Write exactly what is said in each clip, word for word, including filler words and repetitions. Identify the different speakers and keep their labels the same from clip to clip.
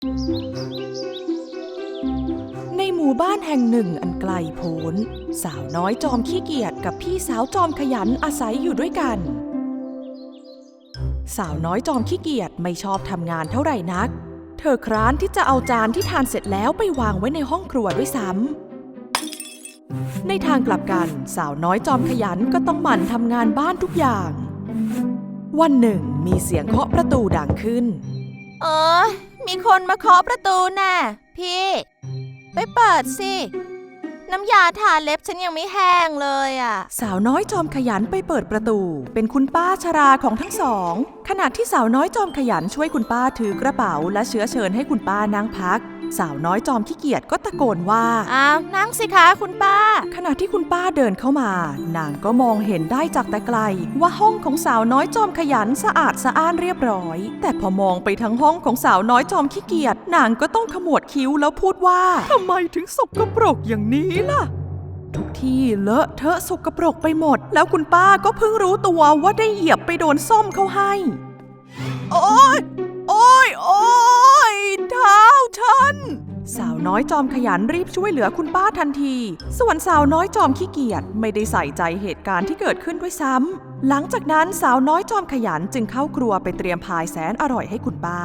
Speaker 1: ในหมู่บ้านแห่งหนึ่งอันไกลโพ้นสาวน้อยจอมขี้เกียจกับพี่สาวจอมขยันอาศัยอยู่ด้วยกันสาวน้อยจอมขี้เกียจไม่ชอบทำงานเท่าไหร่นักเธอคร้านที่จะเอาจานที่ทานเสร็จแล้วไปวางไว้ในห้องครัวด้วยซ้ำในทางกลับกันสาวน้อยจอมขยันก็ต้องหมั่นทำงานบ้านทุกอย่างวันหนึ่งมีเสียงเคาะประตูดังขึ้น
Speaker 2: เออมีคนมาเคาะประตูน่ะพี่ไปเปิดสิน้ำยาทาเล็บฉันยังไม่แห้งเลยอ่ะ
Speaker 1: สาวน้อยจอมขยันไปเปิดประตูเป็นคุณป้าชราของทั้งสองขณะที่สาวน้อยจอมขยันช่วยคุณป้าถือกระเป๋าและเชื้อเชิญให้คุณป้านั่งพักสาวน้อยจอมขี้เกียจก็ตะโกนว่า
Speaker 2: อ้าวนั่งสิคะคุณป้า
Speaker 1: ขณะที่คุณป้าเดินเข้ามานางก็มองเห็นได้จากแต่ไกลว่าห้องของสาวน้อยจอมขยันสะอาดสะอ้านเรียบร้อยแต่พอมองไปทั้งห้องของสาวน้อยจอมขี้เกียจนางก็ต้องขมวดคิ้วแล้วพูดว่าทำไมถึงสกปรกอย่างนี้ล่ะทุกที่เลอะเทอะสกปรกไปหมดแล้วคุณป้าก็เพิ่งรู้ตัวว่าได้เหยียบไปโดนส้มเข้าให้โอ๊ยโอ๊ยโอ๊ยเท้าฉันสาวน้อยจอมขยันรีบช่วยเหลือคุณป้าทันทีส่วนสาวน้อยจอมขี้เกียจไม่ได้ใส่ใจเหตุการณ์ที่เกิดขึ้นด้วยซ้ำหลังจากนั้นสาวน้อยจอมขยันจึงเข้าครัวไปเตรียมพายแสนอร่อยให้คุณป้า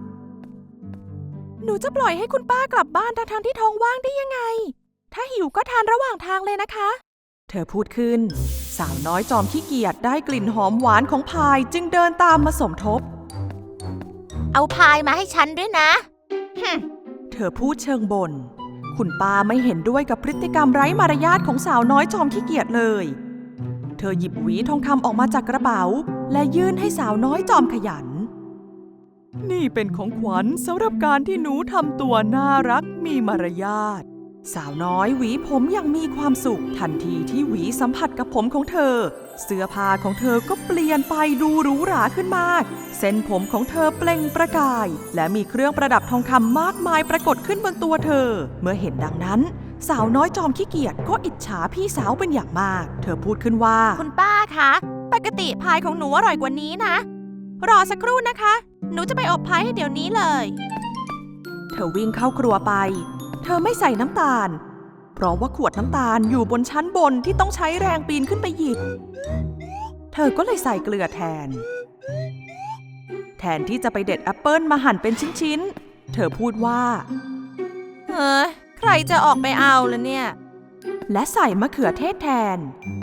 Speaker 1: หนูจะปล่อยให้คุณป้ากลับบ้านทั้งๆที่ท้องว่างได้ยังไงถ้าหิวก็ทานระหว่างทางเลยนะคะเธอพูดขึ้นสาวน้อยจอมขี้เกียจได้กลิ่นหอมหวานของพายจึงเดินตามมาสมทบ
Speaker 2: เอาพายมาให้ฉันด้วยนะ
Speaker 1: เธอพูดเชิงบ่นคุณป้าไม่เห็นด้วยกับพฤติกรรมไร้มารยาทของสาวน้อยจอมขี้เกียจเลยเธอหยิบหวีทองคำออกมาจากกระเป๋าและยื่นให้สาวน้อยจอมขยันนี่เป็นของขวัญสำหรับการที่หนูทำตัวน่ารักมีมารยาทสาวน้อยหวีผมอย่างมีความสุขทันทีที่หวีสัมผัสกับผมของเธอเสื้อผ้าของเธอก็เปลี่ยนไปดูหรูหราขึ้นมากเส้นผมของเธอเปล่งประกายและมีเครื่องประดับทองคำมากมายปรากฏขึ้นบนตัวเธอเมื่อเห็นดังนั้นสาวน้อยจอมขี้เกียจก็อิจฉาพี่สาวเป็นอย่างมากเธอพูดขึ้นว่า
Speaker 2: คุณป้าคะปกติพายของหนูอร่อยกว่านี้นะรอสักครู่นะคะหนูจะไปอบพายให้เดี๋ยวนี้เลย
Speaker 1: เธอวิ่งเข้าครัวไปเธอไม่ใส่น้ำตาลเพราะว่าขวดน้ำตาลอยู่บนชั้นบนที่ต้องใช้แรงปีนขึ้นไปหยิบเธอก็เลยใส่เกลือแทนแทนที่จะไปเด็ดแอปเปิ้ลมาหั่นเป็นชิ้นๆเธอพูดว่า
Speaker 2: เฮ้ยใครจะออกไปเอาล่ะเนี่ย
Speaker 1: และใส่มะเขือเทศแทน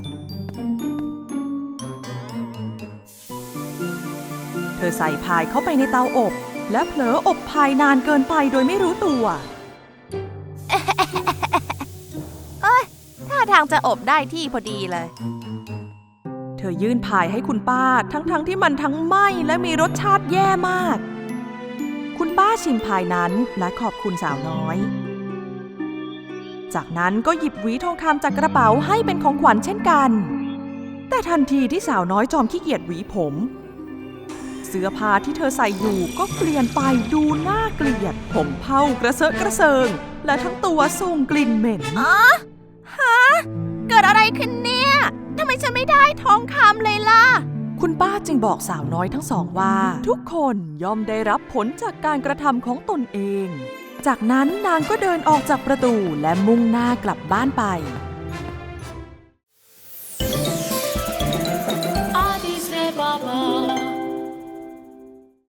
Speaker 1: เธอใส่พายเข้าไปในเตาอบและเผลออบพายนานเกินไปโดยไม่รู้ตัว
Speaker 2: เอ้ยท่าทางจะอบได้ที่พอดีเลย
Speaker 1: เธอยื่นพายให้คุณป้าทั้งๆ ท, ที่มันทั้งไหม้และมีรสชาติแย่มากคุณป้าชิมพายนั้นและขอบคุณสาวน้อยจากนั้นก็หยิบหวีทองคำจากกระเป๋าให้เป็นของขวัญเช่นกันแต่ทันทีที่สาวน้อยจอมขี้เกียจหวีผมเสื้อผ้าที่เธอใส่อยู่ก็เปลี่ยนไปดูน่าเกลียดผมเผากระเซาะกระเซิงและทั้งตัวส่งกลิ่นเหม็น
Speaker 2: อ๋อฮะเกิดอะไรขึ้นเนี่ยทำไมฉันไม่ได้ทองคำเลยล่ะ
Speaker 1: คุณป้าจึงบอกสาวน้อยทั้งสองว่าทุกคนย่อมได้รับผลจากการกระทำของตนเองจากนั้นนางก็เดินออกจากประตูและมุ่งหน้ากลับบ้านไป